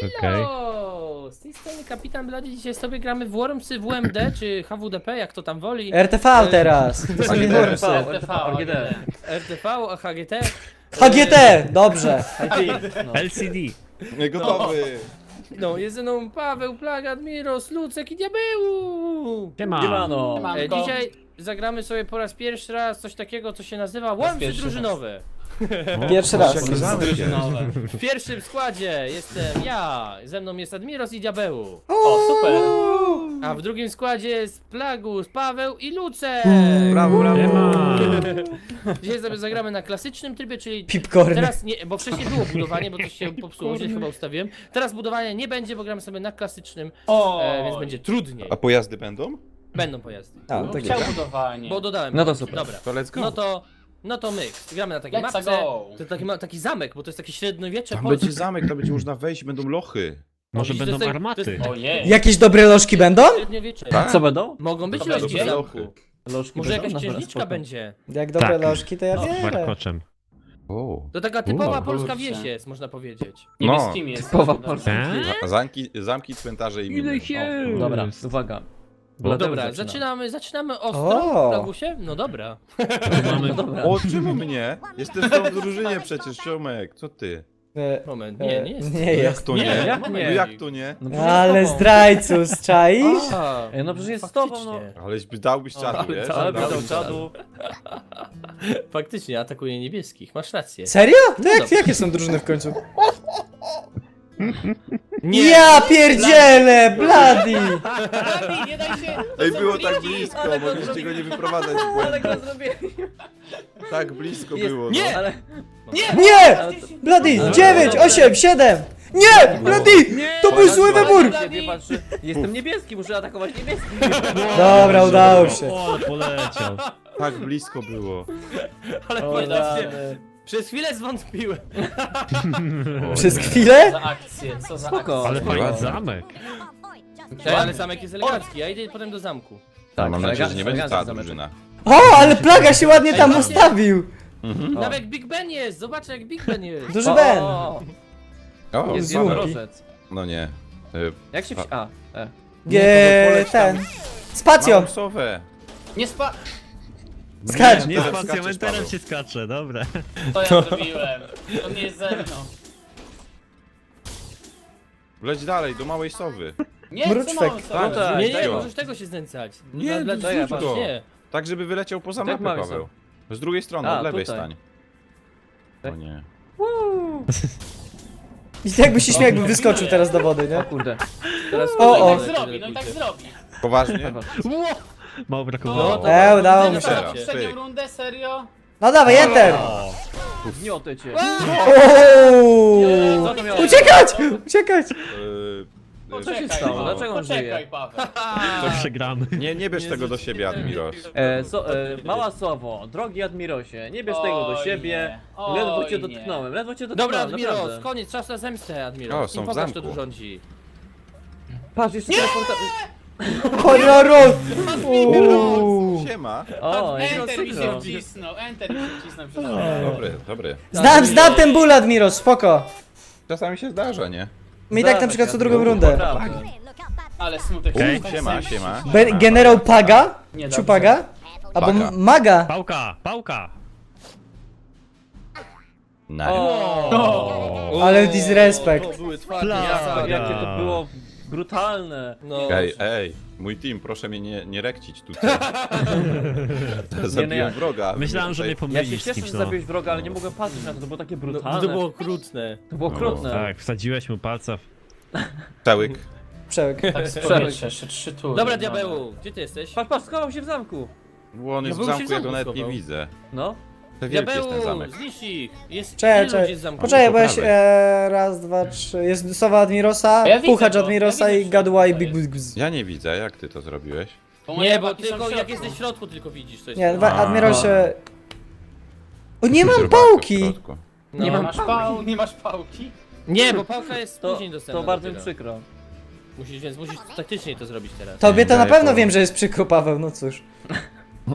Hello! Z tej strony Kapitan Blady, dzisiaj sobie gramy w Wormsy WMD, czy HWDP, jak to tam woli. RTV teraz! To są nie Wormsy. RTV, a HGT. HGT! Dobrze! LCD. Gotowy! No, jest ze mną Paweł, Plaga, Admiros, Lucek i Diabeł! Siemano. Dzisiaj zagramy sobie po raz pierwszy raz coś takiego, co się nazywa Wormsy drużynowe. Pierwszy raz. Jakie zamek jest? W pierwszym składzie jestem ja, ze mną jest Admiros i Diabeł. O, super! A w drugim składzie jest Plagus, Paweł i Lucek. Brawo, brawo! Dzisiaj sobie zagramy na klasycznym trybie, czyli Pipcorn. teraz nie, bo wcześniej było budowanie, bo coś się popsuło, źle chyba ustawiłem. Teraz budowania nie będzie, bo gramy sobie na klasycznym, O, więc będzie trudniej. A pojazdy będą? Będą pojazdy. A, tak chciał jest. budowanie. Bo dodałem. No to pojazdy. super. Dobra. To let's go! No to my gramy na takiej Let's mapce. go. To taki zamek, bo to jest takie średniowiecze Tam polskie. będzie zamek, tam będzie można wejść, będą lochy. Może Widzisz, będą to jest- armaty. Ojej. Jakieś dobre lożki będą? Średniowiecze. Tak? Co będą? Mogą być To lożki będzie w zamku. lochy. Może jakaś księżniczka będzie. Jak dobre Tak. lożki, to ja Z bierę. warkoczem. O. To taka typowa polska kurczę. wieś jest, można powiedzieć. Niebieskimi jest. Typowa Dobra. Polska. Zamki, cmentarze i miny. Dobra, uwaga. No Bladeusz dobra, zaczyna. zaczynamy ostro, O. Plagusie? No dobra. Mamy... Dobra. O, czemu mnie? Jestem w tą drużynie przecież, Ciomek. Co ty? Moment, nie jest. Nie Jak jest. to nie? jak No nie? jak to nie? No przecież Ale z tobą. zdrajców, czaisz? A, Ej, no przecież jest z tobą, no. faktycznie. Aleś dałbyś czadu, wiesz? Ale Dałbyś wydał czadu. Faktycznie atakuje niebieskich, masz rację. Serio? To dobrze. jakie są drużyny w końcu? Nie! Ja pierdzielę! Bloody! Blady, nie daj się! Ej, to są było tak bliki. blisko, mogliście go nie wyprowadzać z Ale błędu. go zrobiłem. Tak blisko Jest- było, Nie! no. Ale... Nie! Bloody! 9, 8, 7! Nie! Bloody! To był zły wybór! Ciebie patrzy. Jestem niebieski, muszę atakować niebieski. Dobra, udało się. O, poleciał. Tak blisko było. Ale faktycznie, przez chwilę zwątpiłem. Przez chwilę? Za akcję, co za Spoko. akcję. Ale fajny ładnie. zamek. Ale zamek jest elegancki, ja idę potem do zamku. Tak, mam nadzieję, że nie będzie cała zameczek. drużyna. O, ale plaga się ładnie tam ustawił! Nawet jak Big Ben jest, zobacz jak Big Ben jest. Duży Ben! O, Jest Złupi. jednorożec. no nie. Jak się... A, Ten. Spacją! Mam sowę. Nie spa... Skacz! Nie Teraz z skaczesz, pacjamenterem Paweł. się skacze, dobra. To ja zrobiłem. To nie jest ze mną. Leć dalej, do małej sowy. Nie, Mruczwek. co mam sobie? Tak. tak. Nie, nie, Tego. możesz tego się znęcać. Nie, Dla- to ja zrzuć patrzę. go. Nie. Tak, żeby wyleciał poza Tak mapę, mamy Paweł. Z drugiej strony, A, od lewej tutaj. stań. O Tak. nie. I jakby się śmiał, jakby wyskoczył teraz do wody, nie? o kurde. Teraz O, No o. i tak zrobi, no i tak zrobi. Poważnie? Mało brakowało. No to Udało mi się. Teraz. Poprzednią Pyk. rundę, serio? No dawaj, enter! Gniotę cię. Ooo! Co to miało? Uciekać! Uciekać! Co się stało? Paweł, Dlaczego on poczekaj, żyje? Paweł. To przegramy. Nie bierz tego do siebie, Admiros. Mała Sowo, drogi Admirosie, nie bierz tego do Oj siebie. nie, Ledwo oj cię nie. dotknąłem, ledwo cię Dobra, dotknąłem, Admiros, naprawdę. koniec, czas na zemstę, O, Admiros. są I w pokaż, kto zamku. tu rządzi. Patrz, jeszcze teleporta... Horror! Uuu. Siema. O, Enter mi się synchro. wcisnął, enter mi się wcisnął przez Dobry. Znam ten ból, Admiro, spoko. Czasami się zdarza, nie? My i tak na przykład co drugą rundę. Ale smutek. Okej. tak Siema, sobie- siema. Generał Paga? Nie dobrze. Ciupaga? Albo Paga. Maga? Pałka, pałka. Na. Ale disrespect. To były twarde Plaga. jasady. Jakie to było brutalne. No, Ej, mój team, proszę mnie nie rekcić tutaj. Zabiłem jak. wroga. Myślałem, że mnie Ja się pomylisz z cieszę, kimś, że no. zabiłeś wroga, ale nie mogłem patrzeć na to, to było takie no, brutalne. to było okrutne. To było okrutne. Tak, wsadziłeś mu palca w... Całyk. Przełek. Tak z powietrza, jeszcze 3 tury. Dobra, Diabeł, gdzie ty jesteś? Patrz, schował się w zamku. Bo on jest w był się zamku, w ja go zamku nawet nie schował. widzę. No. To wielki jest ten Diabeł, zamek. zniszcz ich. Jest Czekaj, ilu ludzi czekaj. z zamku? Poczekaj, bo ja Po się, prawej. raz, dwa, trzy. Jest Sowa Admirosa, A ja widzę Puchacz to, Admirosa ja i widzę, Gadła i że Big to jest. Buzz. Ja nie widzę, jak ty to zrobiłeś? Nie, bo chłopaki są tylko w jak środku. jesteś w środku tylko widzisz, to jest... Nie, A. Admirosie... O, nie mam Robaka w pałki! środku. No. Nie masz pałki? Nie, bo pałka jest To, później dostępna. to bardzo mi dopiero. przykro. Więc musisz taktycznie to zrobić teraz. Tobie to na Daję pewno pałkę. wiem, że jest przykro, Paweł, no cóż.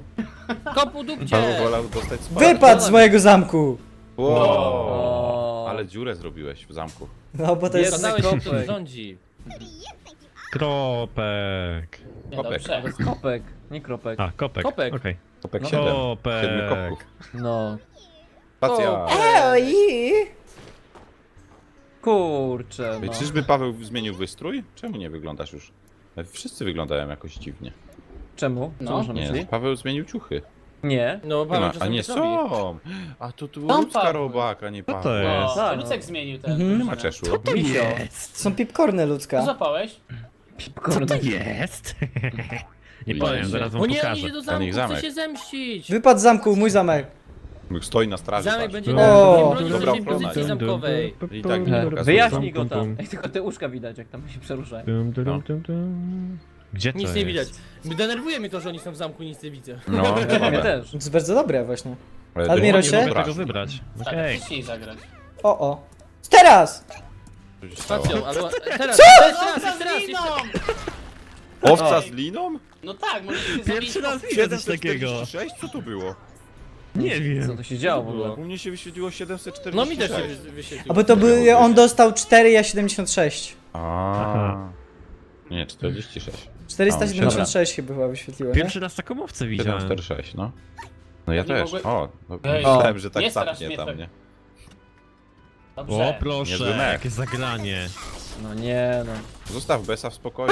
Kopu dupcie! Paweł wolał dostać sporo. Wypadł z mojego zamku! Wow. O, Ale ale dziurę zrobiłeś w zamku. No bo to Jest jest... Zadałeś się, kto kopek. rządzi. Kropek. Nie, Kopek. dobrze. To jest kopek, nie kropek. A, kopek. Kopek. Okej. Kopek No. 7. Kopek. 7 kopków. No. Spacja. Ej! Kurczę, no. Czyżby Paweł zmienił wystrój? Czemu nie wyglądasz już? Wszyscy wyglądają jakoś dziwnie. Czemu? Co No. masz na Nie, myśli? Paweł zmienił ciuchy. Nie. No, Nie Paweł ma, a czasami nie tak robi. są! A to tu Są ludzka Paweł. robak, a nie Co Paweł. to jest? O, Tak, to Lucek no. zmienił ten. Mhm. Nie ma czeszu. Misio. Są pipkorny Co ludzka. złapałeś? Co to jest? Nie Widzisz? powiem, zaraz wam O nie, on pokażę. idzie do Ten ich zamku, chce zamek. się zemścić. Wypad z zamku, mój zamek. Stoi na straży. Zamek patrz. będzie O! bronić Dobra naszej ochrona. pozycji zamkowej. I tak nie pokazuje. Wyjaśnij go tam. Ej, tylko te uszka widać, jak tam się przeruszają. Gdzie to Nic jest? nie widać. Denerwuje mnie to, że oni są w zamku, nic nie widzę. No, Mnie słabe. też. To jest bardzo dobre właśnie. Ale Admiro nie się? Nie mogę wyobraź. tego wybrać. Okej. Wcześniej zagrać. O. Teraz! Co się stało? Spacją, albo teraz, Co? jeszcze raz, jeszcze raz. Owca z liną? No tak, możesz się Pierwszy raz zabić. widzę coś takiego. 746? Co to było? Nie Co wiem. to się działo w ogóle? U mnie się wyświetliło 746. No mi też się wyświetliło. A bo to by on dostał 4, ja 76. A. Nie, 46. 476 chyba wyświetliło, nie? Pierwszy raz taką owcę widziałem. 746, no. No ja Nie też. mogłem- O, no, Ej, myślałem, że tak nie strasz sapnie mnie tam, tak. nie? Dobrze. O Niezły proszę, mech. jakie zagranie. No nie, no. Zostaw Besa w spokoju.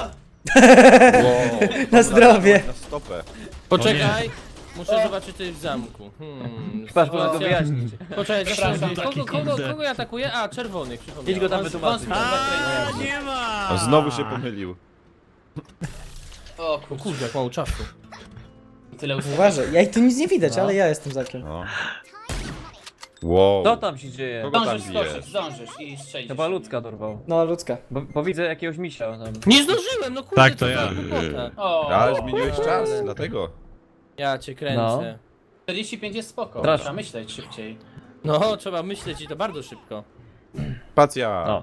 Na zdrowie. Na stopę. Poczekaj, muszę zobaczyć, co jest w zamku. Patrz, można go sytuacja- wyjaśnić. Poczekaj, Przepraszam, kogo ja atakuję? A, czerwonych, przypomniałem. Idź go tam Wąs- wytłumaczyć. wąs- Nie ma! A znowu się pomylił. O O kurczę, kurde, jak mało czasu. tyle ustawień. Uważaj, ja i tu nic nie widać, No. ale ja jestem zakiem. No. Wow. Co tam się dzieje? Kogo tam Zdążysz bijesz? skoczyć, zdążysz i strzelić. Chyba ludzka dorwał. No, ludzka. Bo widzę jakiegoś misia tam. Nie zdążyłem, no kurde, Tak, to co ja. za głupota. O, Ale zmieniłeś czas, dlatego. Ja cię kręcę. 45 jest spoko. Strasznie. Trzeba myśleć szybciej. No, trzeba myśleć i to bardzo szybko. Spacja. O.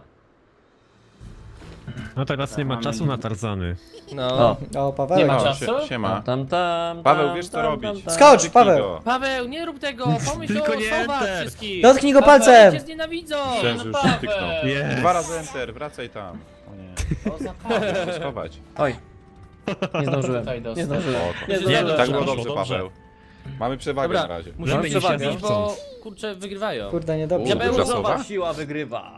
No teraz nie ma czasu na Tarzany. No. O. O, Paweł. Nie ma O, czasu? Siema. Tam. Paweł, wiesz co robić. Skocz, Tyknij Paweł. go. Paweł, nie rób tego! Pomyśl Tylko o nie osobach enter. wszystkich! Dotknij go Paweł, palcem! cię znienawidzą! Myślałem, że już Paweł. się tyknął. Nie. 2 razy enter, wracaj tam. O nie. O, zapałę. Muszę schować. Oj. Nie zdążyłem. Tutaj dostał. Nie zdążyłem. O, Nie to- zdążyłem. tak było Dobrze, dobrze, dobrze. Paweł. Mamy przewagę Dobra, na razie. musimy Mamy się przewagę. bić, bo kurczę wygrywają. Kurde, niedobrze. Diabeł, Duża Zobacz, sowa? siła wygrywa.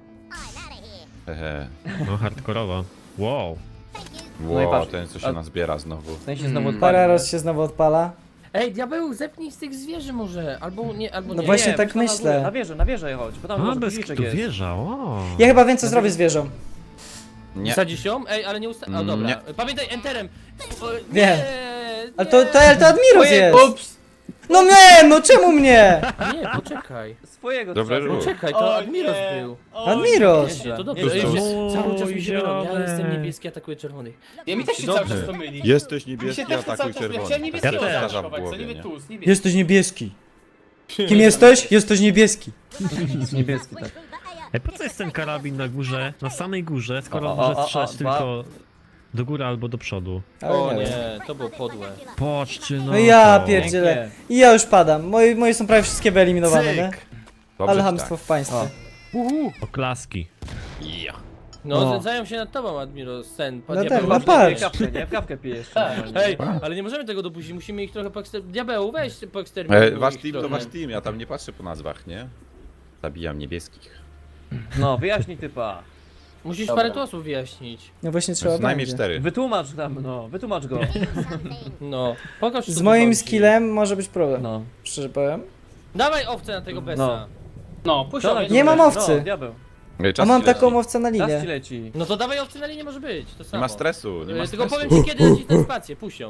Hehe. No hardkorowo. Wow. No i Wow, patrz. ten co się A- nazbiera znowu. Ten się znowu odpalił. Pararos się znowu odpala. Ej, diabeł, zepnij z tych zwierzy może, albo nie, albo No nie. właśnie Nie, tak weź tam myślę. Na wieżę chodź, bo tam A, może bez guziczek kitu jest. wieża, o. Ja chyba wiem co zrobię z wieżą. Nie. Wsadzisz ją? Ej, ale nie usta... O, dobra. Nie. Pamiętaj, enterem! O, Wiem. nie, Ale to Admiros Ojej, jest! Ups! No nie, no czemu mnie? Nie, poczekaj. Swojego Dobry trzeba. ruch. Poczekaj, to O Admiros nie. był. O Admiros! Nie, to dobrze. Nie, Ej, to- się- cały czas mi się mylą. Ja Dobrze. jestem niebieski, atakuję czerwonych. Nie, mi też się Dobrze. cały czas to myli. Jesteś Mi się niebieski, też to atakuj cały czas myli. czerwony. Chciałem niebieskiego Ja też. zaatakować, w co głowie, niby nie? tłus, niebieski. Jesteś niebieski. Kim jesteś? Jesteś niebieski. Niebieski, tak. Ej, po co jest ten karabin na górze, na samej górze, skoro O, może o, o, strzelać o, tylko do góry albo do przodu? Ale O nie wiem. nie, to było podłe. Patrzcie no No ja to. pierdzielę. I ja już padam. Moje są prawie wszystkie wyeliminowane, nie? Cyk. Dobrze Ale ci hamstwo w państwie. Oklaski. No, O. znęcają się nad tobą, Admiros, ten. No diabeł. tak, no Masz patrz. kawkę, nie? Kawkę pijesz. Tak. normalnie. Ej, ale nie możemy tego dopuścić, musimy ich trochę Diabeł, weź poeksterminować. Wasz team to wasz team, ja tam nie patrzę po nazwach, nie? Zabijam niebieskich. No, wyjaśnij typa. Musisz Dobra. parę tu osób wyjaśnić. No właśnie trzeba Co najmniej będzie. 4. Wytłumacz tam, no, wytłumacz go. No, pokaż co Z tu moim chodzi. skillem może być problem. No. Szczerze powiem. Dawaj owce na tego besa. No. No, puść Co owiec. Nie mam owcy. No, diabeł. A mam taką owcę na Czas ci linię. leci. No to dawaj owce na linię może być, to Nie samo. ma stresu, nie ma Tylko stresu. powiem ci kiedy nacisnąć spację, pusią.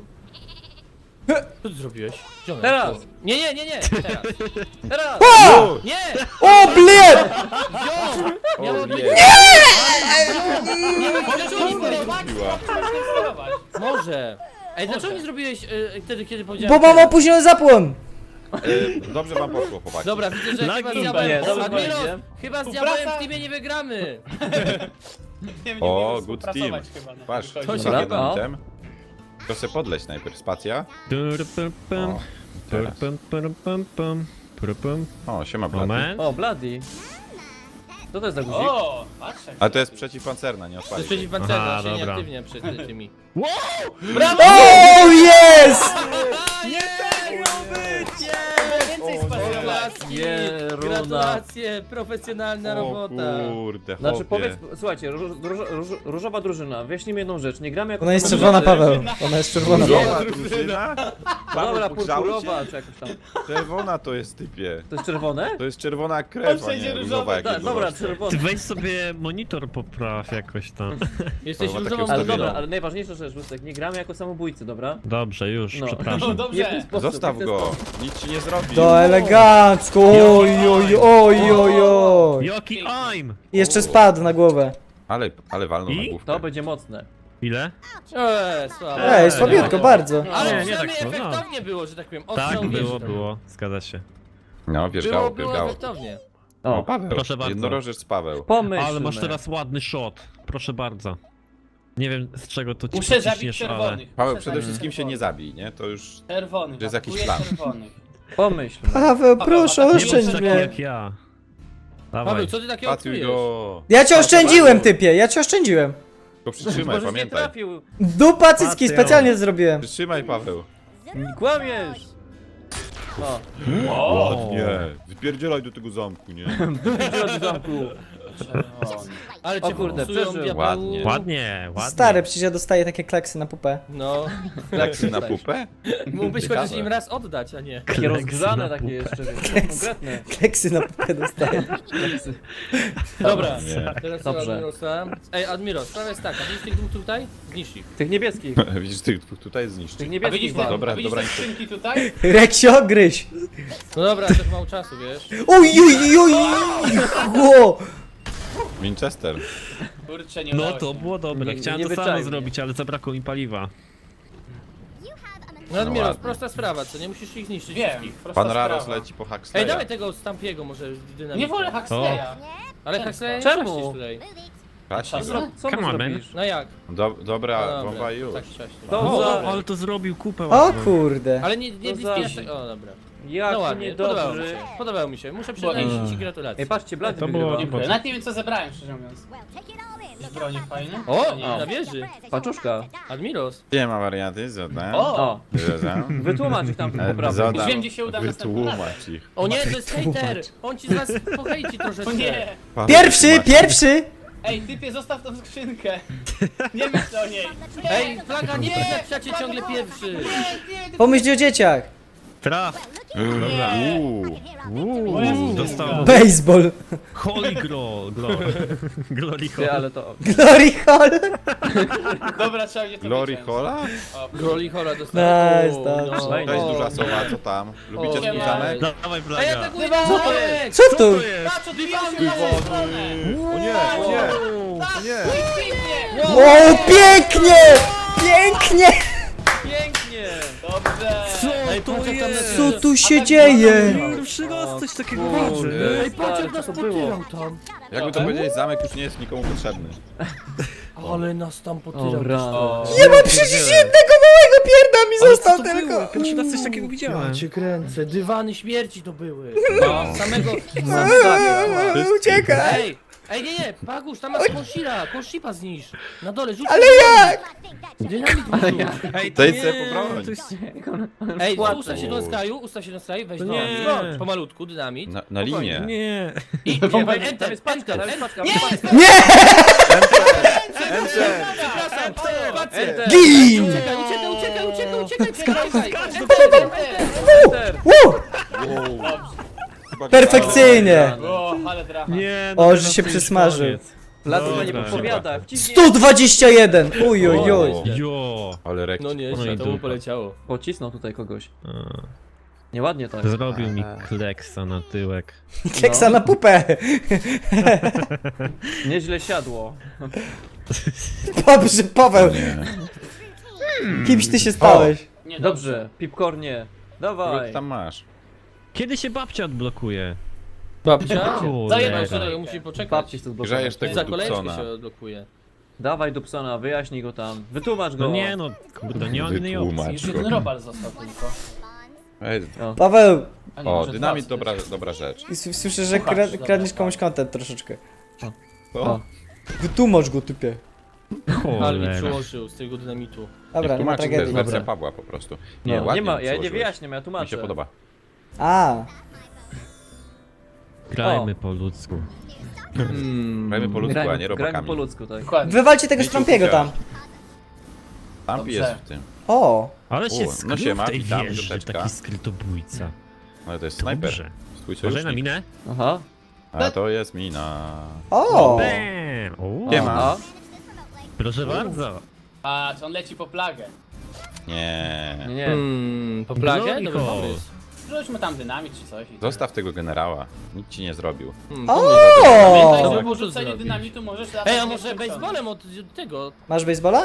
Co ty zrobiłeś? Gdzie ona Teraz. jest? Nie, teraz. Teraz! O! Nie! O, bled! Wziął! Miało być... nie! Nie wiem, dlaczego nie Sterować, Zrobiła. można sterować. Może. Ej, dlaczego nie zrobiłeś wtedy, kiedy Bo powiedziałem mam teraz? opóźniony zapłon! Dobrze wam poszło, chłopaki. Dobra, widzę, że Lagi. chyba z Nie, diabłem... dobrze Admiros, powiedziałem. chyba z Współpraca. diabłem w teamie nie wygramy. Nie, nie O, umiemy good team. współpracować chyba na Patrz, tym To się co chyba- za item. To se podleć najpierw, spacja. Tur, pum, pum. O, Tur, teraz. pum, pum, pum, pum. Prupum. O, siema Blady. Moment. O, Bloody. Co to jest za guzik? O, patrz jak Ale to jest przeciwpancerna, nie To jest odpalić. jej. przeciwpancerna, Aha, on się dobra. nieaktywnia przed tymi. O, jest! więcej spasować. Gratulacje, Jeruna. gratulacje, profesjonalna O robota. kurde, Znaczy chłopie. powiedz, słuchajcie, różowa drużyna, wyjaśnijmy jedną rzecz, nie gramy jako Ona jest samo czerwona, drużyny. Paweł. Ona jest czerwona. Różowa drużyna? No dobra, Paweł, pogrzało cię? purpurowa czy jakoś tam. Czerwona to jest typie. To jest czerwone? To jest czerwona krew, a wszędzie nie różowe. różowa jak Tak, jest dobra, zobaczcie. Ty czerwone. weź sobie monitor popraw jakoś tam. Jesteś Kurwa, różową takie Ale ustawienie. dobra, ale najważniejsza rzecz, Łysek, nie gramy jako samobójcy, dobra? Dobrze, już, No. No przepraszam. dobrze. W ten sposób, Zostaw w ten go, sposób. nic ci nie zrobi. To elegancko. Oj, oj, oj, oj, oj. Joki aim! Jeszcze spadł na głowę. Ale walną na I? główkę. To będzie mocne. Ile? Słabo. Ej, słabiutko, bardzo. Ale Nie, nie przynajmniej tak słabo. efektownie było, że tak powiem. Tak, Ostrzał było, wieży tam. było. Zgadza się. No, wierzgało, Było wierzgało. efektownie. O, O, Paweł, Proszę bardzo. jednorożec Paweł. pomyślmy. Ale masz teraz ładny shot. Proszę bardzo. Nie wiem z czego to ci Muszę zabić pociśniesz, ale... czerwonych. Paweł, Muszę przede zabić wszystkim się nie zabij, nie? To już... Czerwonych. To jest jakiś atakuję plan. czerwonych. Pomyślmy. Paweł, proszę, Nie bądź oszczędź taki mnie. jak ja. Paweł, Dawaj. co ty takiego Patuj czujesz? go. Ja cię oszczędziłem, typie, ja cię oszczędziłem. Tylko przytrzymaj, Możeś nie pamiętaj. trafił. Dupa cycki, Patrz, specjalnie zrobiłem. Przytrzymaj, Paweł. Kłamiesz. O, O, Ładnie. Wypierdzielaj do tego zamku, nie? w zamku. czerwony. Ale O cię kurde, fokusują, przeżył. diabeł. Ładnie. Ładnie, ładnie. Stary, przecież ja dostaję takie kleksy na pupę. No, Kleksy na pupę? mógłbyś Ciekawe. chociaż im raz oddać, a nie. Takie Kleksy rozgrzane na takie pupę. jeszcze, wiesz, konkretne. Kleksy na pupę dostaję. Kleksy. Dobra, Nie. teraz Dobrze. Admirosa. Ej, Admiro, sprawa jest taka, widzisz tych dwóch tutaj? Zniszcz ich. Tych niebieskich. Widzisz, tych dwóch tutaj zniszczy. Tych A niebieskich widzisz wal. te, Dobra, widzisz dobra, te skrzynki tutaj? Reksio, gryź. No dobra, też mało czasu, wiesz. Oj, oj, oj, oj. Winchester. Kurczę, nie No udało to się. było dobre. Nie- Chciałem nie to samo wyczajnie. zrobić, ale zabrakło mi paliwa. No Admiros, ładnie. prosta sprawa, co nie musisz ich zniszczyć Wiem, wszystkich. prosta Pan Raros sprawa. leci po Ej, Huxleya. dawaj tego Stampiego może z dynamitem. Nie wolę Huxleya. Ale Huxleya nie Czemu? prześcisz tutaj. Kasia. Co mu Come on, man. zrobisz? No jak? Dobra, bomba już. Tak wcześnie. To O, za- ale to zrobił kupę O ładną. kurde. Ale nie To bliskiej za- aż tak... O, dobra. Jak No ładnie, podobało mi niedobrzy. się. Podobało mi się. Muszę przyznać ci gratulacje. Ej, patrzcie, Blady To było- wygrywa. Dziękuję. Nawet nie wiem co zebrałem, szczerze mówiąc. Jakieś bronie fajne? O, Nie. na wieży. Paczuszka. Admiros. Nie ma warianty, zadam. O! O, Zadam. wytłumacz ich tam poprawnie. Już Zadam. wiem, gdzie się uda następnym razem. Wytłumacz ich. O nie, to jest hejter! On ci z was pohejci troszeczkę. O nie! Paweł, Pierwszy, wytłumacz. pierwszy. Ej, typie, zostaw tą skrzynkę. Nie myśl o niej. Ej, flaga, nie napisacie ciągle pierwszy. Pomyśl o dzieciach. Traf! Dobra. Dostał Baseball. Holy Glory. Glory Ty, Hole. ale to... Glory Hall. Dobra, trzeba będzie to Glory wyciąć. Hola? Groli Hola dostał. Nice, dobrze. Cześć duża sowa, co tam? Lubicie O, swój nie. zamek? Dawaj, Ej, Blaga. atakuj Co to Dywanek! Co tu? Patrz, odbijają się na moją stronę. O nie, nie. Pięknie! O, pięknie! Pięknie! Pięknie! Dobrze! Ej, patrz jak tam na Co tu się dzieje? Pierwszy raz coś takiego Kurde. widzę. Ej, patrz jak Co nas to było? potyrał tam. Jakby to powiedzieć, zamek już nie jest nikomu potrzebny. Ale nas tam potyrał. Dobra. Nie ma przecież jednego małego pierda mi został tylko. Pierwszy raz coś takiego widziałem. Ja cię kręcę, dywany śmierci to były. No, samego... Uciekaj. Ej, nie, Pagusz, tam masz kąszipa zniszcz. Na dole, rzuć. Ale jak? Dynamit wyrzuć. Ej, To jest sobie pobroń. Ej, ustaw się na skraju, weź To no. nie. No, pomalutku, dynamit. Na linię. Nie. I Tam enter, jest paczka, tam jest paczka. Nie, przepraszam, spację. Gin! Uciekaj, przepraszaj. Enter. Perfekcyjnie. O, ale dracha. Nie. O, teraz że się to już przysmażył. koniec. Blady to nie Dobra. podpowiada. Wciśnij. 121. Uj, oj, oj. Jo. Ale rek. No nie, No i to mu dupa. poleciało. Pocisnął tutaj kogoś. A, Nieładnie tak. Zrobił mi kleksa na tyłek. Keksa na pupę. Nieźle siadło. Dobrze, Paweł. Kimś ty się stałeś? Nie, Dobrze, pipkornie. Kogo Dawaj. ty tam masz? Kiedy się babcia odblokuje? Babcia? Kurde. Zajebał się, to musi poczekać. Babci chce odblokować. Grzejesz tego Za kolejeczkę Dupsona. się odblokuje. Dawaj Dupsona, wyjaśnij go tam. Wytłumacz go. No nie no, kurde, nie mam innej opcji. Wytłumacz Już go. jeden robal został tylko. Ej, Paweł! A nie, o, może dynamit, dwa dobra rzecz. Słyszę, że kradniesz komuś content troszeczkę. O, Wytłumacz go, typie. Ale mi Cholera. przyłożył z tego dynamitu. Dobra, nie ma tłumaczy, to jest tragedii. wersja Dobra. Pawła po prostu. No, nie ładnie ma, ja nie przełożyłeś. wyjaśniam, ja Mi tłumaczę. się podoba. A, Grajmy po ludzku. Grajmy po ludzku, a nie Grajmy po robakami. ludzku, tak. Dokładnie. wywalcie tego Mieciu, Strompiego tam. Tampi Dobrze. jest w tym. O! Ale się no skrył siema, w tej witam, wieży, piąteczka. taki skrytobójca. Ale to jest snajper. Dobrze. Swój Uważaj na sojusznik. minę. Aha. A to jest mina. O! Bam! O, Nie ma. Aha. proszę bardzo. Patrz, on leci po plagę. Nie. Nie. Po plagę? Glory Dobry hole. pomysł. Rzućmy tam dynamit czy coś. i Zostaw tego generała. Nic ci nie zrobił. Pamiętaj, O! że Co po rzuceniu zrobić? dynamitu możesz... Ej, a może baseballem od tego? Masz baseballa?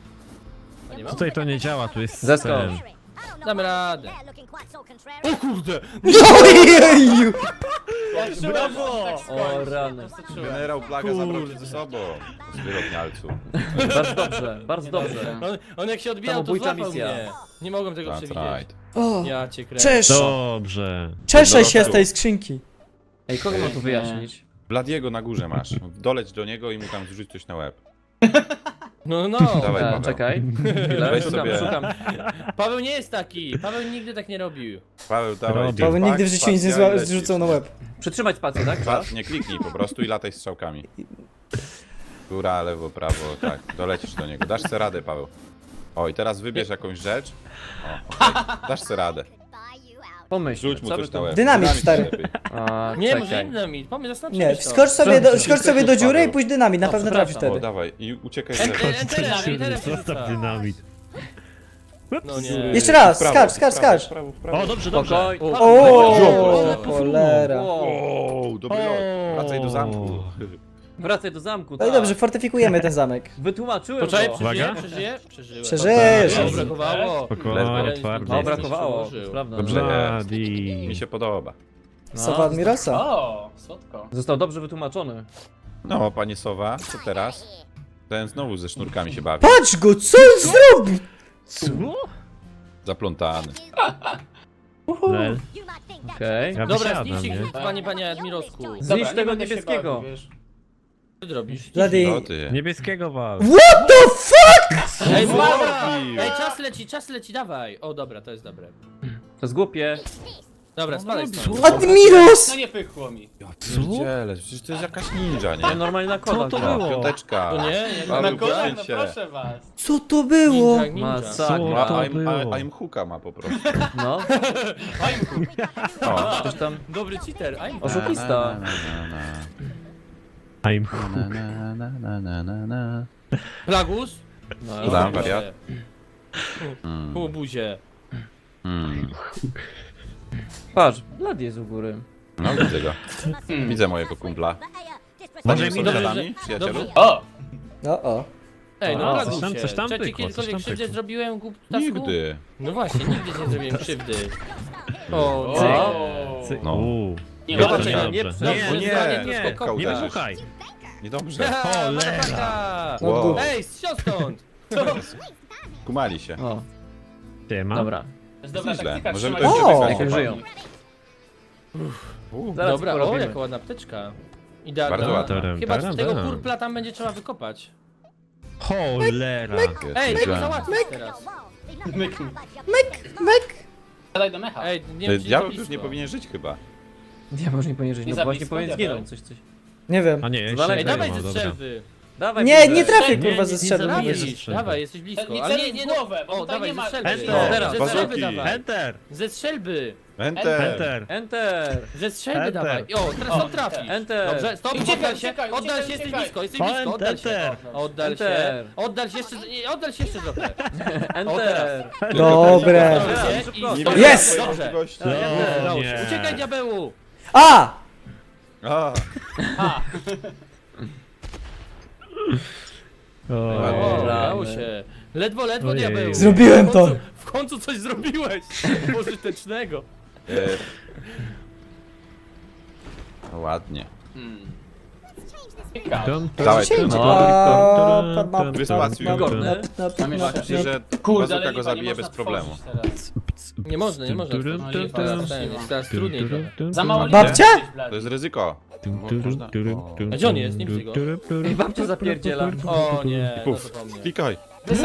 A nie ma? Tutaj to nie działa, tu jest Zesko. ten. Damy radę. O kurde! Ojeju! Brawo! O, rany. Generał Plaga zabrał cię ze sobą. Zwyrodnialcu. Bardzo dobrze, bardzo dobrze. On jak się odbijał, to Samobójcza złapał misja. mnie. Nie mogłem tego That's przewidzieć. right. O! Ja cię kręcę. Czesz! Dobrze. Czeszę się z tej skrzynki. Ej, kogo mam tu wyjaśnić? Bladiego na górze masz. Doleć do niego i mu tam zrzuć coś na łeb. No, no. Dawaj, Paweł. Czekaj. Chwilę, Weź szukam, sobie. szukam. Paweł nie jest taki. Paweł nigdy tak nie robił. Paweł, dawaj. Robi. Paweł jetpack, nigdy w życiu nic nie spacja i lecisz. zrzucał na łeb. Przytrzymać spację, tak? Nie kliknij po prostu i lataj strzałkami. Góra, lewo, prawo, tak. Dolecisz do niego. Dasz se radę, Paweł. O, i teraz wybierz jakąś rzecz. O, okej. Dasz se radę. Pomyśl, Rzuć mu co by coś na tu... łeb. Dynamit, stary. lepiej. A, Nie, może czekaj. dynamit. Pomysł, zastanów Nie, się. skocz sobie do dziury i pójdź dynamit, na pewno trafisz O, wtedy. dawaj. I uciekaj z lewo. Enterem się Zostaw rzuca. dynamit. No nie. Jeszcze raz, W prawo, skacz, w prawo, skacz. w prawo, w prawo. O, dobrze, dobrze. Spokojnie. O, cholera. O, dobry lot. Wracaj do zamku. Wracaj do zamku, No i tak. dobrze, fortyfikujemy ten zamek. Wytłumaczyłem Poczekaj, go. przeżyję, Uwaga. przeżyję? Przeżyłem. Przeżyjesz. No, brakowało. Spokojnie, twardy. No, brakowało, to Przełożył. prawda. Dobrze jest. Bloody. Mi się podoba. Sowa Admirosa. O, słodko. Został dobrze wytłumaczony. No, panie Sowa, co teraz? Ten znowu ze sznurkami się bawi. Patrz go, co on zrobił? Co? Zaplątany. Lel. Okej. Ja Dobra, wysiadam, zniszcz nie? ich, panie Admirosku. Zniszcz Dobra, nie tego będę się niebieskiego. bawił, wiesz. Co ty robisz? Bloody. No ty. Niebieskiego wal. What the fuck? Ej, Co dobra! zrobił? Ej, czas leci, dawaj. O, dobra, to jest dobre. To jest głupie. Dobra, spadaj stąd. Admiros! No nie pychło mi. Ja pierdzielę, przecież to jest jakaś ninja, Ja nie? normalnie na kolach. to gram. było? Piąteczka. To nie? Jak Paweł, Na kolana, no poświęć się. proszę was. Co to było? Ninja, ninja. Masakra. Ma, to I'm, było? I'm hooka ma po prostu. No, O. coś tam... Dobry cheater, I'm Oszukista. I'm Plagus? No, I Dam, buzie. wariat. Pół buzie. Patrz, Blad jest u góry. No widzę go. Widzę mojego kumpla. Może Staniemy mi dobrze, sąsiadami, przyjacielu? dobrze. O! O. Ej, no O, Plagusie. coś tam Czy ci pykło, coś kiedykolwiek tam krzywdę pykło. zrobiłem, głuptasku? Nigdy. No właśnie, nigdy ci nie zrobiłem krzywdy. O, O. Cy- No. Uuu. Nie To ma nie nie, dobrze. nie, Nie, nie, nie, spotkał nie uderzysz. wybuchaj. Niedobrze. Cholera. No Wow. Ej, sio stąd! Kumali się. O, Siema. dobra. To jest dobra Nieźle. taktyka, Możemy trzymać to się jeszcze w wygrać. ręku. Żyją. Zaraz Dobra, o, porobimy. jaka ładna apteczka. Idealna. Bardzo ładna. Chyba Taram, tego taram. kurpla tam będzie trzeba wykopać. Cholera. Ej, tego Ej, załatwić teraz. Mek. Siadaj do mecha. Ej, nie wiem, czy Diabeł to już nie blisko. powinien żyć chyba. Nie, może nie powinien żyć, Nie no za właśnie blisko, powinien diabeł. zginąć, coś. Nie wiem. A nie, Ej, jeszcze Ej, dawaj mam, ze dobra. strzelby. Dawaj, Nie, kurde. nie trafię Nie, kurwa ze strzelby. Dawaj, nie ze strzelby. dawaj, jesteś blisko. Nie Ale celuj nie, w no. głowę, bo O, tutaj dawaj, nie ze ma- strzelby. Enter. O, Teraz. ze strzelby Bazuki. dawaj. Enter. Ze strzelby. Enter. Enter. Enter. Ze strzelby Enter. dawaj. O, teraz O, to trafisz. Enter. Dobrze, stop, Uciekaj, oddal się, uciekaj, oddal się, uciekaj, jesteś uciekaj. blisko, jesteś O, blisko, oddal się. enter. Oddal się, Enter. oddal się jeszcze, nie, oddal się jeszcze trochę. Enter. Dobre. Dobrze, szybko. i- Nie Jest! wiem, Dobrze. możliwości. Udało się. nie. Uciekaj, diabełu. A! A, O, O, udało się. Ledwo, Ojej. diabełu. Zrobiłem W końcu- to. W końcu coś zrobiłeś. Pożytecznego. e, no ładnie. Dun, Dawaj, dun, no. dun, dun, dun, Wyspacjuj. dun, dun. Wygodny. Tam jest Myślę, że Kurde, ale bazuka nie go zabije można bez problemu. tworzyć teraz. Nie można, nie można. Jest teraz trudniej trochę. Za mało Babcia? To jest ryzyko. Można. O. A gdzie on jest? Nie widzę go. Ej, babcia zapierdziela. O nie, no Puf. to po mnie. Klikaj.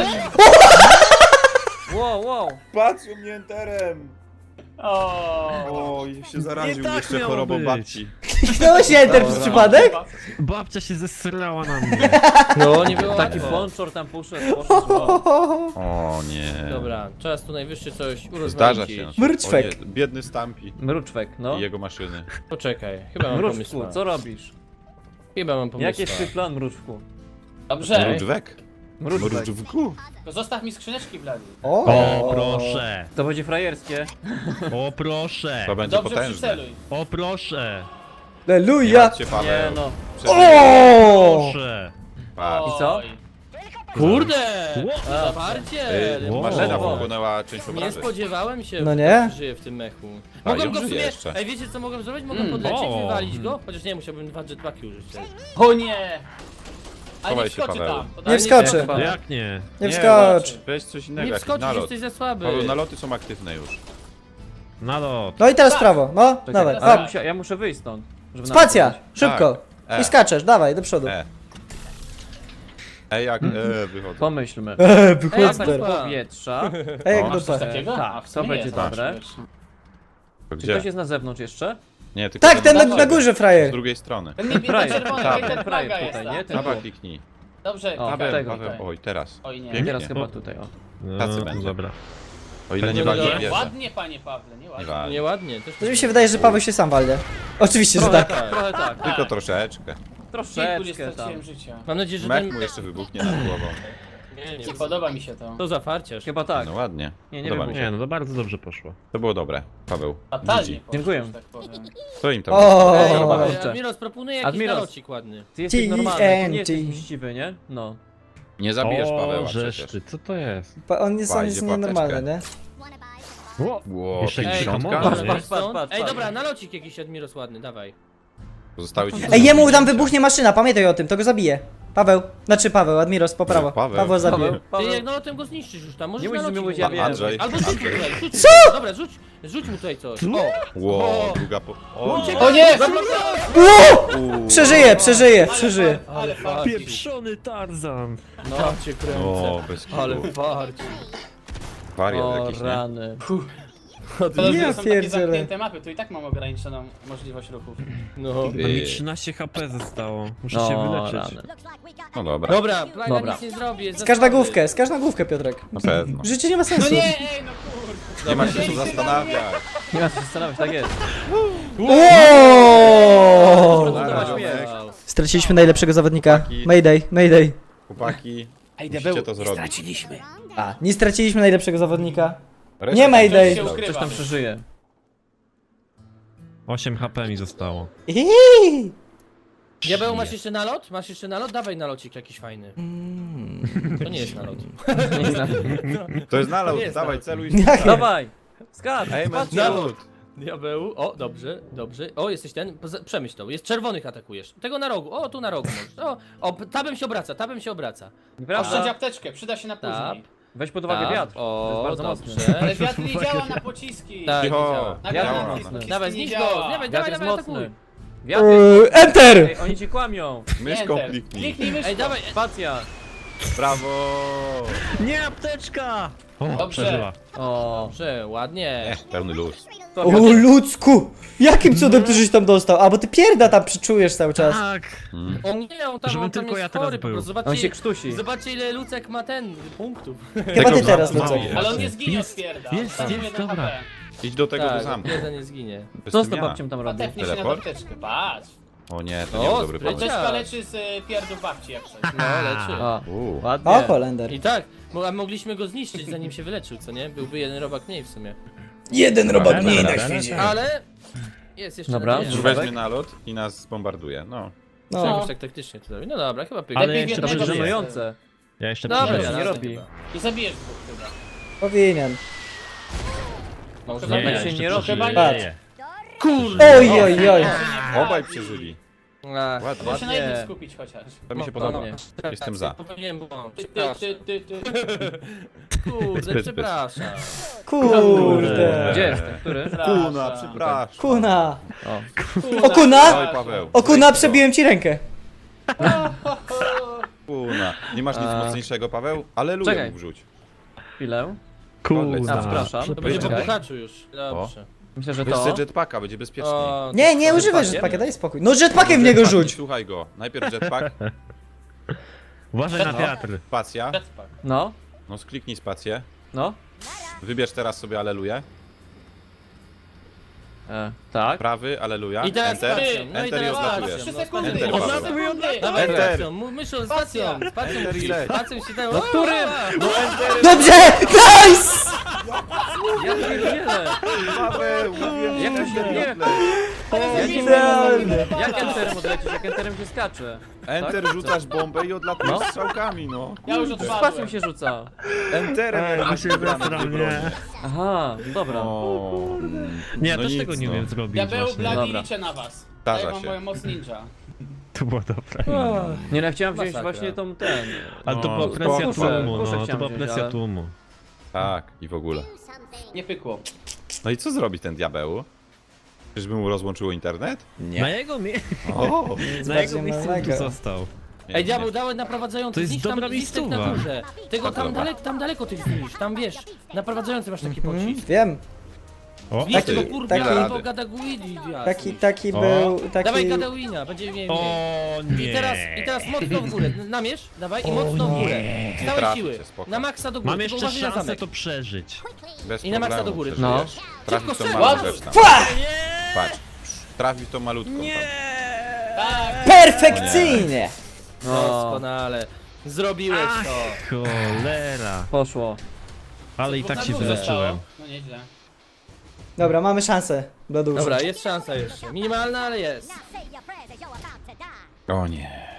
Wow. Patrz mnie enterem. O. O, się zaraził tak jeszcze miało chorobą być. babci. Kliknąłeś enter przez przypadek? Babcia się zesrała na mnie. No, nie było Taki łatwo. ponczor tam poszedł. Wow. O nie. Dobra, czas tu najwyższy coś urozmaicić. Zdarza się. Mrczwek. O nie, biedny Stampi Mruczwek, no. i jego maszyny. Poczekaj, chyba mam Mruczku, pomysł. co robisz? Chyba mam pomysł. Jaki jest twój plan, Mruczku? Dobrze, Mruczwek? Mruczwek. Mruczwku? to zostaw mi skrzyneczki, Blady. O proszę. To będzie frajerskie. O proszę. To będzie Dobrze potężne. przyceluj. O proszę. Nie Aleluja! martw się, Nie Paweł. no. O! Proszę. Patrz. I co? Oj. Kurde! A, Zawarcie! Ej, Wow. maszyna Wow. pochłonęła część Nie obrazy. spodziewałem się, No że nie? żyje w tym mechu. A, Mogłem już go w żyje sumie... jeszcze. Ej, wiecie co mogłem zrobić? Mogłem podlecieć, O. wywalić go. Chociaż nie, musiałbym 2 jetpacki użyć wtedy. O nie! A Chowaj nie się, wskoczy Paweł. tam. To Nie dalej wskoczy. Chyba. Jak nie? Nie wskocz. Weź coś innego, Nie jakiś wskoczysz, nalot. jesteś za słaby. Paweł, naloty są aktywne już. Nalot. No i teraz w prawo, no, Czekaj, dawaj. ale Hop. ja muszę wyjść stąd. żeby Spacja! nawet Szybko! Tak. I skaczesz, dawaj, do przodu. Jak wychodzą. Pomyślmy. Wychodź Atak teraz. powietrza. Ej, jak O, Masz coś dupa. takiego? Tak, A, w to sumie będzie jest. dobre. To Czy gdzie? ktoś jest na zewnątrz jeszcze? Nie, tylko Tak, ten z na górze, Z frajer. drugiej strony. Ten niebieski Frajer, czerwony, tak, ten frajer flaga jest tutaj, tam. nie? Ten Dobra, tu. kliknij. Dobrze, O, klikaj, tego. Paweł, klikaj. oj, teraz. Oj nie. Pięknie. Teraz chyba tutaj, o. Tacy No, będzie. dobra. O ile nie No, wali dobra. wieżę. Ładnie, panie Pawle, nie ładnie. wali. Nieładnie. Też To mi się wydaje, że Paweł się sam walnie. Oczywiście, że tak. Trochę tak. Tylko troszeczkę. Kilku nie Troszeczkę tam. straciłem życia. Mam nadzieję, że Mech ten... mu jeszcze wybuchnie nad głową. Nie, Nie podoba mi się to. To zafarciarz. Chyba tak. No ładnie. Nie, nie Podoba mi wybuchnie. się. Nie, no to bardzo dobrze poszło. To było dobre, Paweł. Fatalnie GG. poszło, Dziękuję. że tak powiem. Co im tam O! Ej, Dobra, Ej, kurczę. Admiros proponuje jakiś Admiros. nalocik ładny. Ty jesteś TNT. normalny, ty nie jesteś mściwy, nie? No. Nie zabijesz Paweła O, żeż przecież. ty, co to jest? On jest Wajdzie nienormalny, płateczkę. nie? Ło, Jeszcze jakiś 50. hamon? Patrz, Nie? patrz, patrz, patrz. Ej, dobra, nalocik jakiś Admiros ładny, dawaj. Zostały ci Ej, jemu tam wybuchnie maszyna, pamiętaj o tym, to go zabije. Paweł, znaczy Paweł, Admiros, po prawo. Paweł. Paweł zabije. Paweł, Ty Paweł. jak nalotem go zniszczysz już tam, możesz Nie musisz mi nalocik mówić, mu ja dać. wiem. Andrzej. Albo rzuć mu Andrzej. tutaj, rzuć mu. Dobra, rzuć mu tutaj coś. O! Ło, druga po... O nie! Przeżyje. Ale farci. Pieprzony Tarzan. No cię kręcę. O, bez kitu. Ale farci. Wariat O jakiś, nie? rany. To Ja są takie pierdzielę. zamknięte mapy, tu i tak mam ograniczoną możliwość ruchów. No. To mi 13 HP zostało. Muszę się No wyleczyć. rany. No dobra, Dobra, plaga Dobra. nic nie zrobi, jest Skaż na zasłony. główkę, skaż na główkę, Piotrek. na pewno. Życie nie ma No sensu. nie, ej, no kurde. Nie ma się co zastanawiać. Nie ma co się zastanawiać, tak jest. Wow! Zbudować miecz. Wow. Straciliśmy najlepszego zawodnika. Chłopaki. Mayday. Chłopaki, Ej, musicie to zrobić. A, nie straciliśmy najlepszego zawodnika. Reszta Nie tam Mayday. się Coś Coś ukrywa. tam przeżyje. 8 HP mi zostało. Iii. Diabeł, masz jeszcze nalot? Masz jeszcze nalot? Dawaj nalocik jakiś fajny. To nie jest nalot. Nie znam. To jest nalot, jest dawaj, nalot. celuj. Dawaj! Skacz! Ej, Patrz, nalot. Diabeł, o, dobrze, dobrze. O, jesteś ten, przemyśl to. Jest czerwonych atakujesz. Tego na rogu, o, tu na rogu możesz. O, tabem się obraca, tabem się obraca. Oszczędź Nieprawda? apteczkę, przyda się na później. Weź pod uwagę Tab, wiatr. To O, jest bardzo mocny. dobrze. Ale wiatr nie działa na pociski. Tak, nie Cicho. działa. Na Wiatr granatki jest mocny. pociski Dawaj, nie zniszcz go, działa. dawaj, Wiatr dawaj, jest dawaj, mocny. atakuj. Wiatr jest mocny. Enter! Ej, oni ci kłamią. Myszką Enter. kliknij. Kliknij myszką. Ej, dawaj, Spacja. Brawo. Nie, apteczka! O, Dobrze. przeżyła. O. dobrze, ładnie. Pełny luz. To O Piotr- ludzku! Jakim cudem ty żeś tam dostał? A, bo ty pierda tam przyczujesz cały czas. Tak! O nie, on tam, Żebym on tam tylko jest ja teraz chory, po był. prostu. On się Zobaczcie, krztusi. zobaczcie ile Lucek ma ten, punktów. Chyba ty Tego teraz, zamku Lucek. mało. Ale on nie zginie od Jest, pierda. jest, Tam jest, jeden dobra. HP. Idź do tego do Tak, zamku. jeden nie zginie. Co z Jestem tą ja. babcią tam robi? Patepnie się na Teleport? apteczkę, patrz. O nie, to O, nie był dobry spryciarz. pomysł. Apteczka leczy z pierdów babci jak coś. No, leczy. O, Uuu. ładnie. O, Holender. I tak, a mogliśmy go zniszczyć zanim się wyleczył, co nie? Byłby jeden robak mniej w sumie. Jeden robak mniej mniej na świecie. Ale jest jeszcze Dobra. nadzieja. Już weźmie nalot i nas zbombarduje. No. Trzeba No. jakoś tak taktycznie to zrobić. No dobra, chyba pyk. Ale Lepiej jeszcze jednego To jest bije. żenujące. Ja jeszcze Dobra, przeżyję. nie jasne robi. chyba. I zabijesz dwóch chyba. Powinien. Może Nie, zabić. się jeszcze nie robi. przeżyję. Patrz. Kurde! Oj, oj, oj. Obaj przeżyli. Ach, Ładnie. Trzeba się na Ładnie. jednym skupić chociaż. To mi się no, podoba. no. Jestem za. Popełniłem błąd. Ty. Kurde, Pyt. przepraszam. Kurde. Gdzie jest ten? Który? Kuna, przepraszam. Kuna. O. O kuna! Oj, Paweł. O kuna, przebiłem ci rękę. Kuna. Nie masz nic Tak. mocniejszego, Paweł? Aleluja Czekaj. mu wrzuć. Chwilę. Kurna. A, przepraszam. To będzie po Czekaj. puchaczu już. Dobrze. Myślę, że Weź to... sobie jetpacka, będzie bezpieczniej. O, Nie, nie to- używaj jetpackiem? jetpacka, daj spokój. No jetpackiem w niego Jetpack, rzuć. nie Słuchaj go. Najpierw jetpack, Uważaj na wiatr. spacja. Jetpack. No, No skliknij spację. no. Wybierz teraz sobie aleluję. Tak. Prawy, aleluja. I teraz Enter. spacją, no i Enter i teraz odlatujesz. spacją. 3 sekundy. Enter, Można Paweł. sekundy. Dawaj Enter. spacją, myślą spacją. Spacją Enter i musisz, leć. spacją się dało. No którym? Dobrze! Nice! Ja pierdzielę. Paweł, mówiłem, Jak to się nie... Idealnie. Jak enterem odlecisz? Jak enterem się skacze? Enter, rzucasz bombę i odlatujesz No. strzałkami, no. Ja już Z odpadłem. pasem się rzuca. Enterem, Ej, jak mi masz się wybrane zesrał, dwie bronie. nie. Aha, dobra. O, Nie, ja no też nic, tego nie no. wiem zrobić Diabeł, właśnie. Bladi, Dobra. liczę na was. Zdarza Daję wam się. moją moc ninja. To było dobre. Nie no, ja chciałem wziąć Masakra. właśnie tą ten... Ale to No, była presja spoko. tłumu, Kuszę no. To chciałem była wziąć, presja ale- tłumu. Tak, i w ogóle. Nie pykło. No i co zrobi ten diabeł? Czyżby mu rozłączyło internet? Na jego, O, na jego bardziej miejscu tu małego. został. Ej, diabeł, dałem naprowadzający, To jest zniszcz tam, dobra zniszcz tych na miejscowa. górze. Tego tam, Dobra. tam daleko tych zniszcz, tam wiesz, naprowadzający masz taki pocisk. Wiem. O, Zniszcz ty, tego kurwa, taki- albo Gadaguidi, Taki O. był, Dawaj taki... Gadawina, będzie mniej. o nie. I teraz mocno w górę, namierz, dawaj i mocno w górę. Z całej trafi siły, cię, spoko. na maksa do góry, Mam tylko jeszcze uważaj na szansę zamek. to przeżyć. bez I na maksa problemu do góry. przeżyjesz. Trafi w tą strzel. małą Ładnie. rzecz tam. Pła! Patrz. Trafi w tą malutką tam. Tak. Perfekcyjnie! No, Doskonale. Zrobiłeś to. Cholera. poszło. Ale i tak się Dużo wyleczyłem. zostało. No nieźle. Dobra, mamy szansę. Bladusz. Dobra, jest szansa jeszcze. Minimalna, ale jest. O nie.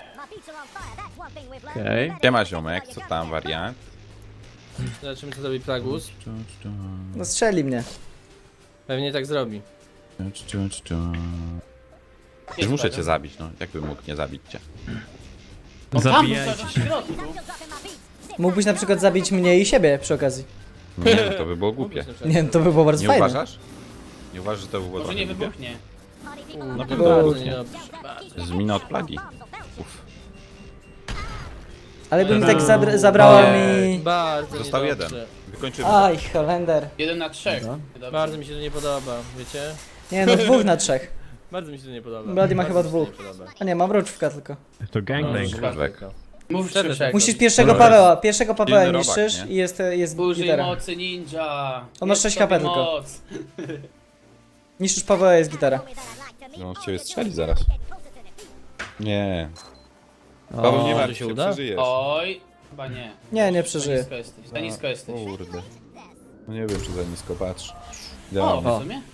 Okej. Siema ziomek, co tam wariant? Zobaczymy co zrobi Plagus. No strzeli mnie. Pewnie tak zrobi. Już muszę cię zabić, no. Jakbym mógł nie zabić cię? No tam, Zabijajcie w się. środku. Mógłbyś na przykład zabić mnie i siebie przy okazji. Nie, no to by było głupie. Nie, to by było bardzo Nie fajne. uważasz? Nie uważasz, że to by było Może trochę nie głupie? wybuchnie. Na Bo- pewno bardzo nie Z mina od plagi. Uff. Ale by mi tak zabrała mi... Bardzo Został niedobrze. jeden. Wykończymy. Aj, Holender. 1 na 3. Dobra. Dobrze. Bardzo mi się to nie podoba, wiecie? Nie no, 2 na 3. Bardzo mi się to nie podoba. Bloody ma Bardzo chyba mi się 2. to nie podoba. A nie, mam mruczówka tylko. To gangbang. Żwek. Mów Wtedy Krzysiek. Musisz pierwszego No, Paweła, pierwszego Paweła silny robak, niszczysz nie? i jest Użyj gitara. mocy ninja. On ma Jest 6 HP sobie tylko. moc. Niszczysz Paweła, jest gitara. No, on z ciebie strzeli zaraz. Nie. Paweł, nie może martw się się, uda? przeżyjesz. Oj. Chyba nie. Nie Za przeżyję. nisko jesteś. Za nisko jesteś. Kurde. No nie wiem, czy za nisko patrz. O, Idealnie. w sumie?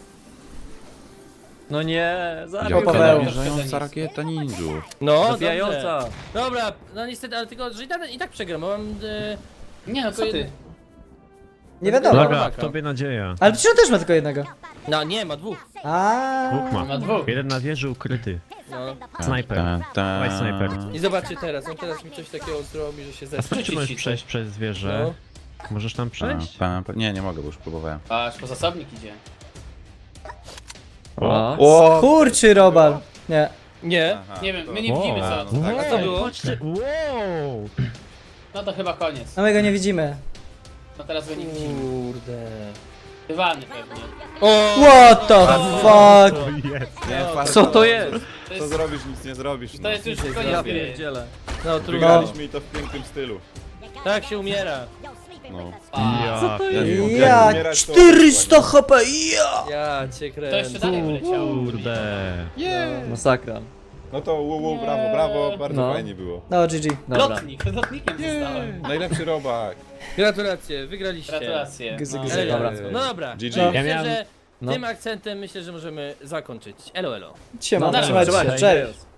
No nie, zabił Paweł. Paweł. Namierzająca rakieta ninju. No, dobrze. Zabijająca. Dobra, no niestety, ale tylko, że i tak przegram, bo mam... Nie no, co ty? Nie wiadomo. Dobra, w tobie nadzieja. Ale przecież on też ma tylko jednego. No nie, ma dwóch. Dwóch Ma ma. dwóch. Jeden na wieży ukryty. No. Snajper. Dawaj snajper. I zobaczcie teraz, on teraz mi coś takiego zrobi, że się A zestra. skąd ty możesz przejść przez wieżę? No. Możesz tam przejść? Nie, nie mogę, bo już próbowałem. Patrz, po zasobnik idzie. O. O! Kurczy robal. Nie. Nie. Aha, Nie wiem, to- my nie widzimy co. no tak, A co było? Patrzcie, wow! No to chyba koniec. No my go nie widzimy. No teraz go nie widzimy. Kurde. Dywany pewnie. O! What the fuck? Nie, farta. Co to jest? To Co jest, zrobisz, nic nie zrobisz. to jest już Ja koniec gry. pierdzielę. No trudno. Wygraliśmy i to w pięknym stylu. Tak się umiera. No. A, Co to Ja jest? nie wiem, jak Ja, umierać, to 400 HP, ja! Ja cię to jeszcze kręcę. dalej wyleciało. Kurde. Masakra. No to brawo, brawo, bardzo No. fajnie było. No, GG. Dobra. Lotnikiem zostałem. Najlepszy robak. Gratulacje, wygraliście. Gratulacje. Gzy, No. gzy. Elegancko. No dobra. GG. No, Ja myślę, miałem- że no. tym akcentem myślę, że możemy zakończyć. Elo, elo. Siema, No, trzymajcie się, Trzymajcie. cześć.